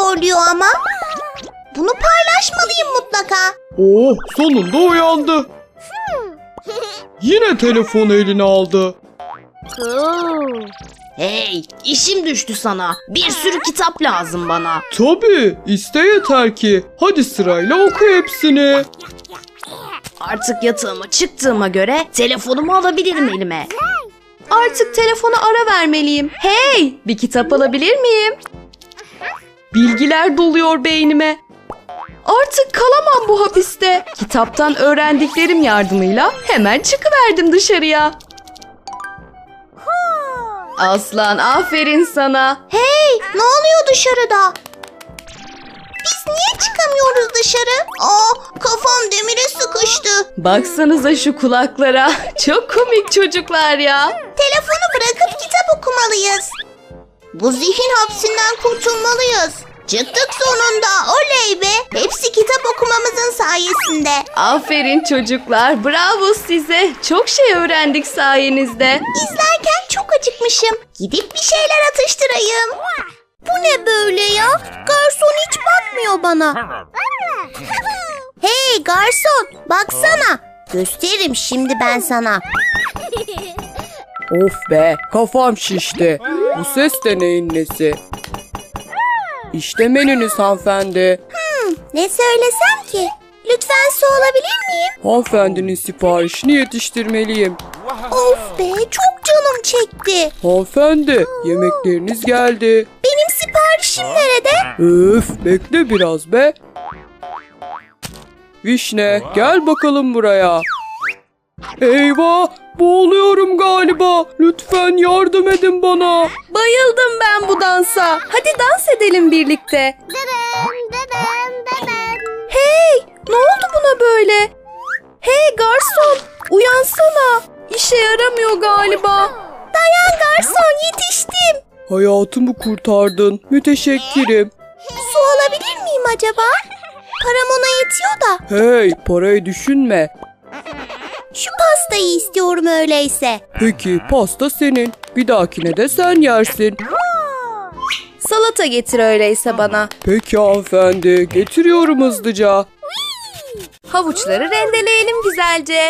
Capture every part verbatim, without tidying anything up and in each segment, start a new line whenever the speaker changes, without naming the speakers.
horluyor ama. Bunu paylaşmalıyım mutlaka.
Oh, sonunda uyandı. Yine telefonu eline aldı.
Hey, işim düştü sana. Bir sürü kitap lazım bana.
Tabii, iste yeter ki. Hadi sırayla oku hepsini.
Artık yatağıma çıktığıma göre telefonumu alabilirim elime.
Artık telefona ara vermeliyim. Hey, bir kitap alabilir miyim? Bilgiler doluyor beynime. Artık kalamam bu hapiste. Kitaptan öğrendiklerim yardımıyla hemen çıkıverdim dışarıya. Aslan, aferin sana.
Hey, ne oluyor dışarıda? Biz niye çıkamıyoruz dışarı? Aa, kafam demire sıkıştı.
Baksanıza şu kulaklara. Çok komik çocuklar ya.
Telefonu bırakıp kitap okumalıyız. Bu zihin hapsinden kurtulmalıyız. Çıktık sonunda, oley be. Hepsi kitap okumamızın sayesinde.
Aferin çocuklar. Bravo size. Çok şey öğrendik sayenizde.
İzlerken çok acıkmışım. Gidip bir şeyler atıştırayım. Bu ne böyle ya? Garson hiç bakmıyor bana. Hey garson, baksana. Gösteririm şimdi ben sana.
Of be, kafam şişti. Bu ses de neyin nesi? İşte menünüz hanımefendi.
Hmm, ne söylesem ki? Lütfen su alabilir miyim?
Hanımefendinin siparişini yetiştirmeliyim.
Of be, çok canım çekti.
Hanımefendi, yemekleriniz geldi.
Benim siparişim nerede?
Öf, bekle biraz be. Vişne, gel bakalım buraya. Eyvah, boğuluyorum galiba. Lütfen yardım edin bana.
Bayıldım ben bu dansa. Hadi dans edelim birlikte. Hey, ne oldu buna böyle? Hey garson, uyansana. İşe yaramıyor galiba.
Dayan garson, yetiştim.
Hayatımı kurtardın. Müteşekkirim.
Su alabilir miyim acaba? Param ona yetiyor da.
Hey, parayı düşünme.
Şu pastayı istiyorum öyleyse.
Peki, pasta senin. Bir dahakine de sen yersin.
Salata getir öyleyse bana.
Peki hanımefendi, getiriyorum hızlıca.
Havuçları rendeleyelim güzelce.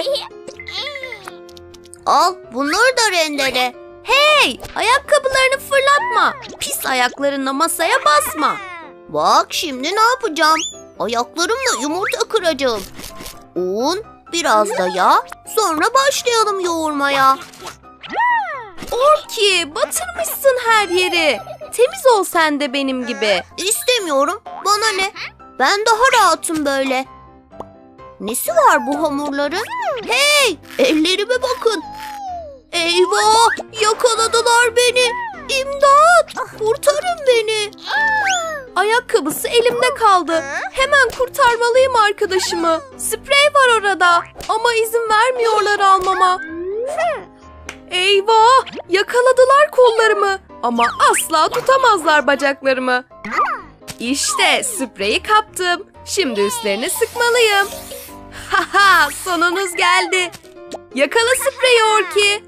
Al, bunları da rendele.
Hey, ayakkabılarını fırlatma. Pis ayaklarınla masaya basma.
Bak şimdi ne yapacağım? Ayaklarımla yumurta kıracağım. Un, biraz da yağ, sonra başlayalım yoğurmaya.
Orki, batırmışsın her yeri. Temiz ol sen de benim gibi.
İstemiyorum, bana ne? Ben daha rahatım böyle. Nesi var bu hamurların? Hey, ellerime bakın. Eyvah, yakaladılar beni. İmdat, kurtarın beni.
Ayakkabısı elimde kaldı. Hemen kurtarmalıyım arkadaşımı. Sprey var orada ama izin vermiyorlar almama. Eyvah! Yakaladılar kollarımı ama asla tutamazlar bacaklarımı. İşte spreyi kaptım. Şimdi üstlerine sıkmalıyım. Haha, sonunuz geldi. Yakala spreyi Orki.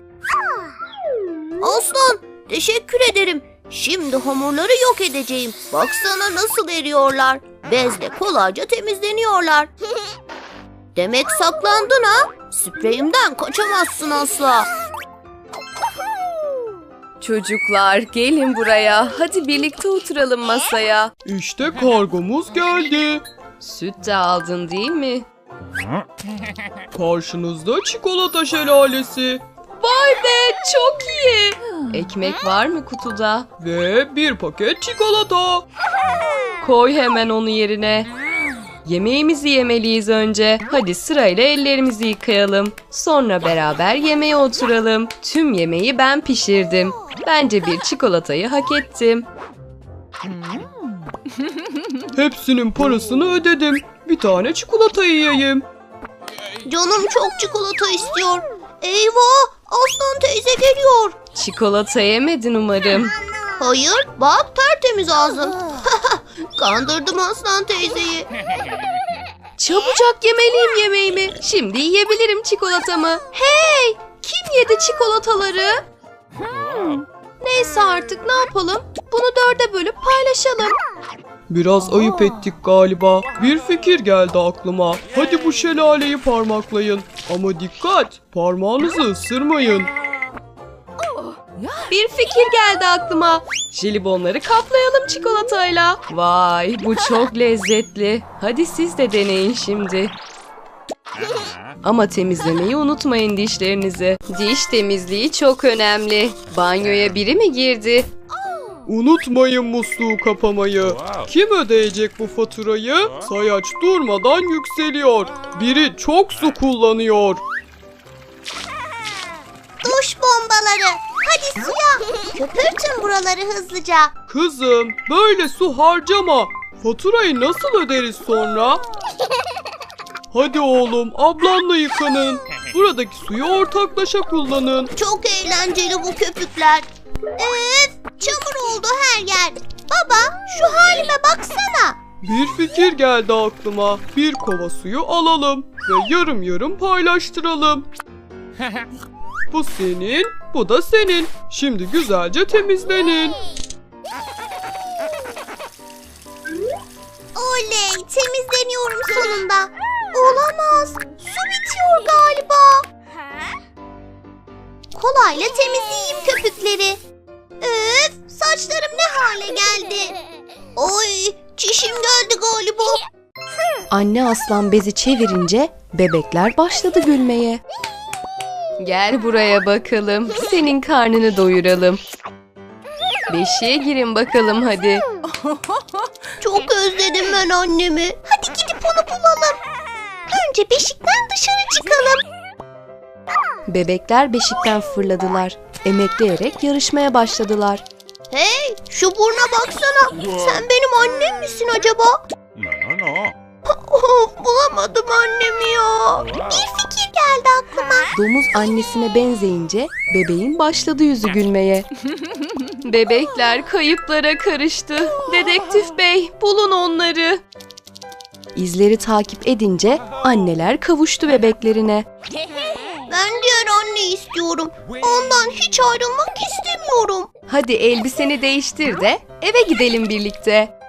Aslan, teşekkür ederim. Şimdi hamurları yok edeceğim. Baksana nasıl eriyorlar. Bezle kolayca temizleniyorlar. Demek saklandın ha? Spreyimden kaçamazsın asla.
Çocuklar gelin buraya. Hadi birlikte oturalım masaya.
İşte kargomuz geldi.
Süt de aldın değil mi?
Karşınızda çikolata şelalesi.
Vay be, çok iyi. Ekmek var mı kutuda?
Ve bir paket çikolata.
Koy hemen onu yerine. Yemeğimizi yemeliyiz önce. Hadi sırayla ellerimizi yıkayalım. Sonra beraber yemeğe oturalım. Tüm yemeği ben pişirdim. Bence bir çikolatayı hak ettim.
Hepsinin parasını ödedim. Bir tane çikolata yiyeyim.
Canım çok çikolata istiyor. Eyvah, Aslan teyze geliyor.
Çikolata yemedin umarım.
Hayır, bak tertemiz ağzım. Kandırdım Aslan teyzeyi.
Çabucak yemeliyim yemeğimi. Şimdi yiyebilirim çikolatamı. Hey! Kim yedi çikolataları? Hmm. Neyse artık ne yapalım? Bunu dörde bölüp paylaşalım.
Biraz ayıp ettik galiba. Bir fikir geldi aklıma. Hadi bu şelaleyi parmaklayın. Ama dikkat, parmağınızı ısırmayın.
Bir fikir geldi aklıma. Jelibonları kaplayalım çikolatayla. Vay, bu çok lezzetli. Hadi siz de deneyin şimdi. Ama temizlemeyi unutmayın dişlerinizi. Diş temizliği çok önemli. Banyoya biri mi girdi?
Unutmayın musluğu kapamayı. Kim ödeyecek bu faturayı? Sayaç durmadan yükseliyor. Biri çok su kullanıyor.
Duş bombaları. Hadi suya. Köpürtün buraları hızlıca.
Kızım, böyle su harcama. Faturayı nasıl öderiz sonra? Hadi oğlum, ablanla yıkanın. Buradaki suyu ortaklaşa kullanın.
Çok eğlenceli bu köpükler. Öf, çamur oldu her yer. Baba, şu halime baksana.
Bir fikir geldi aklıma. Bir kova suyu alalım ve yarım yarım paylaştıralım. Bu senin, bu da senin. Şimdi güzelce temizlenin.
Oley, temizleniyorum sonunda. Olamaz, su bitiyor galiba. Kolayla temizleyeyim köpükleri. Öf, saçlarım ne hale geldi. Oy, çişim geldi galiba.
Anne aslan bezi çevirince bebekler başladı gülmeye. Gel buraya bakalım. Senin karnını doyuralım. Beşiğe girin bakalım hadi.
Çok özledim ben annemi. Hadi gidip onu bulalım. Önce beşikten dışarı çıkalım.
Bebekler beşikten fırladılar. Emekleyerek yarışmaya başladılar.
Hey, şu burna baksana. Sen benim annem misin acaba?
No, no, no.
Of, bulamadım annemi ya. Bir fikir geldi aklıma.
Domuz annesine benzeyince bebeğin başladı yüzü gülmeye. Bebekler kayıplara karıştı. Dedektif bey, bulun onları. İzleri takip edince anneler kavuştu bebeklerine.
Ben diğer anne istiyorum. Ondan hiç ayrılmak istemiyorum.
Hadi elbiseni değiştir de eve gidelim birlikte.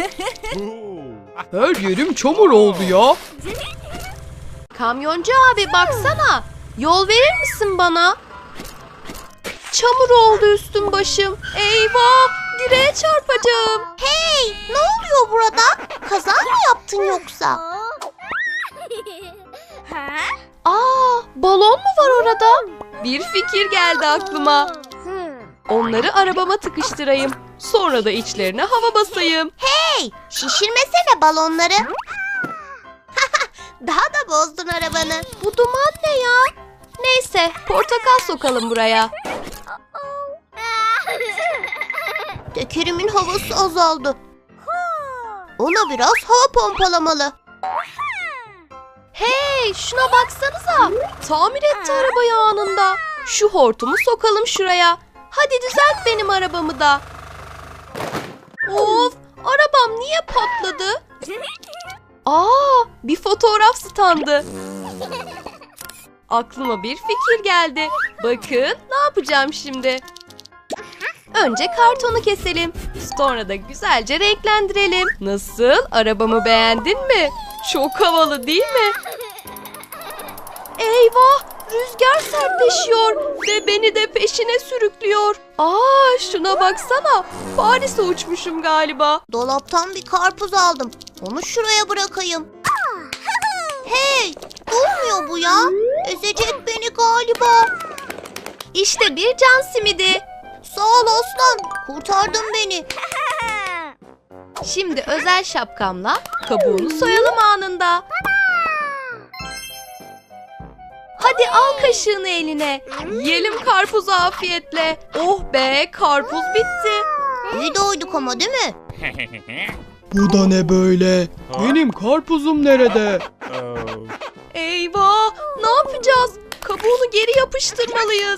Her yerim çamur oldu ya.
Kamyoncu abi baksana. Yol verir misin bana? Çamur oldu üstüm başım. Eyvah! Direğe çarpacağım.
Hey, ne oluyor burada? Kaza mı yaptın yoksa?
Aa, balon mu var orada? Bir fikir geldi aklıma. Onları arabama tıkıştırayım. Sonra da içlerine hava basayım.
Hey, şişirmesene balonları. Daha da bozdun arabanı.
Bu duman ne ya? Neyse, portakal sokalım buraya.
Tekerimin havası azaldı. Ona biraz hava pompalamalı.
Hey, şuna baksanıza. Tamir etti arabayı anında. Şu hortumu sokalım şuraya. Hadi düzelt benim arabamı da. Of, arabam niye patladı? Aa, bir fotoğraf standı. Aklıma bir fikir geldi. Bakın, ne yapacağım şimdi? Önce kartonu keselim. Sonra da güzelce renklendirelim. Nasıl? Arabamı beğendin mi? Çok havalı değil mi? Eyvah! Rüzgar sertleşiyor ve beni de peşine sürüklüyor. Aa, şuna baksana. Paris'e uçmuşum galiba.
Dolaptan bir karpuz aldım. Onu şuraya bırakayım. Hey, durmuyor bu ya. Ezecek beni galiba.
İşte bir can simidi.
Sağ ol aslan. Kurtardın beni.
Şimdi özel şapkamla kabuğunu soyalım anında. Hadi al kaşığını eline. Yiyelim karpuzu afiyetle. Oh be, karpuz bitti.
İyi doyduk ama değil mi?
Bu da ne böyle? Benim karpuzum nerede?
Oh.
Eyvah, ne yapacağız? Kabuğunu geri yapıştırmalıyız.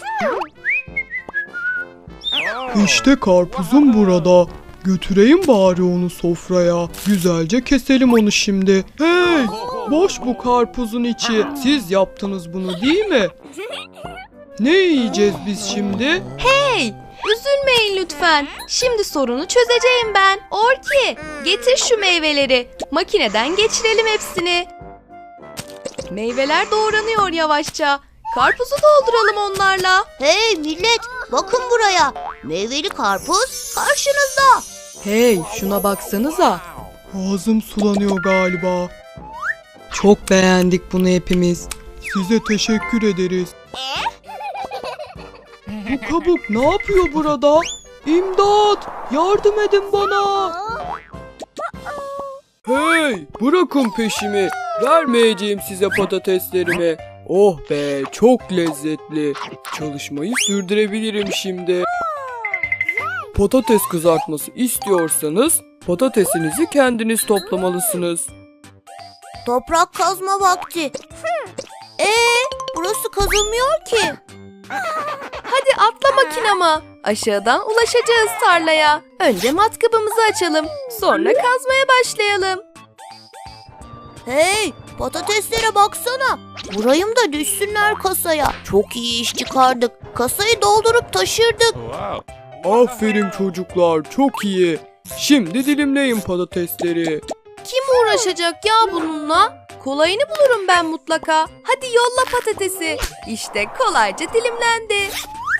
İşte karpuzum burada. Götüreyim bari onu sofraya. Güzelce keselim onu şimdi. Hey! Boş bu karpuzun içi. Siz yaptınız bunu değil mi? Ne yiyeceğiz biz şimdi?
Hey, üzülmeyin lütfen. Şimdi sorunu çözeceğim ben. Orki, Getir şu meyveleri. Makineden geçirelim hepsini. Meyveler doğranıyor yavaşça. Karpuzu dolduralım onlarla.
Hey millet, bakın buraya. Meyveli karpuz karşınızda.
Hey, şuna baksanıza. Ağzım sulanıyor galiba. Çok beğendik bunu hepimiz. Size teşekkür ederiz. Bu kabuk ne yapıyor burada? İmdat! Yardım edin bana! Hey! Bırakın peşimi. Vermeyeceğim size patateslerimi. Oh be, çok lezzetli. Çalışmayı sürdürebilirim şimdi. Patates kızartması istiyorsanız patatesinizi kendiniz toplamalısınız.
Toprak kazma vakti. Ee, burası kazılmıyor ki.
Hadi atla makinama. Aşağıdan ulaşacağız tarlaya. Önce matkabımızı açalım. Sonra kazmaya başlayalım.
Hey, patateslere baksana. Vurayım da düşsünler kasaya. Çok iyi iş çıkardık. Kasayı doldurup taşırdık.
Aferin çocuklar, çok iyi. Şimdi dilimleyin patatesleri.
Kim uğraşacak ya bununla? Kolayını bulurum ben mutlaka. Hadi yolla patatesi. İşte kolayca dilimlendi.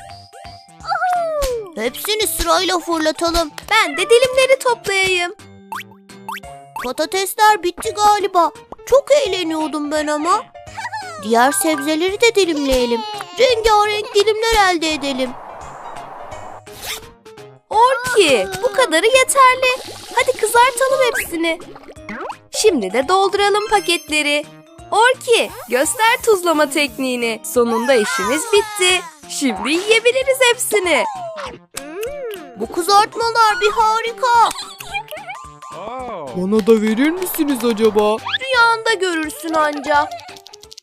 Hepsini sırayla fırlatalım.
Ben de dilimleri toplayayım.
Patatesler bitti galiba. Çok eğleniyordum ben ama. Diğer sebzeleri de dilimleyelim. Rengarenk dilimler elde edelim.
Orki, bu kadarı yeterli. Hadi kızartalım hepsini. Şimdi de dolduralım paketleri. Orki, göster tuzlama tekniğini. Sonunda işimiz bitti. Şimdi yiyebiliriz hepsini.
Bu kızartmalar bir harika.
Bana da verir misiniz acaba?
Rüyanda görürsün anca.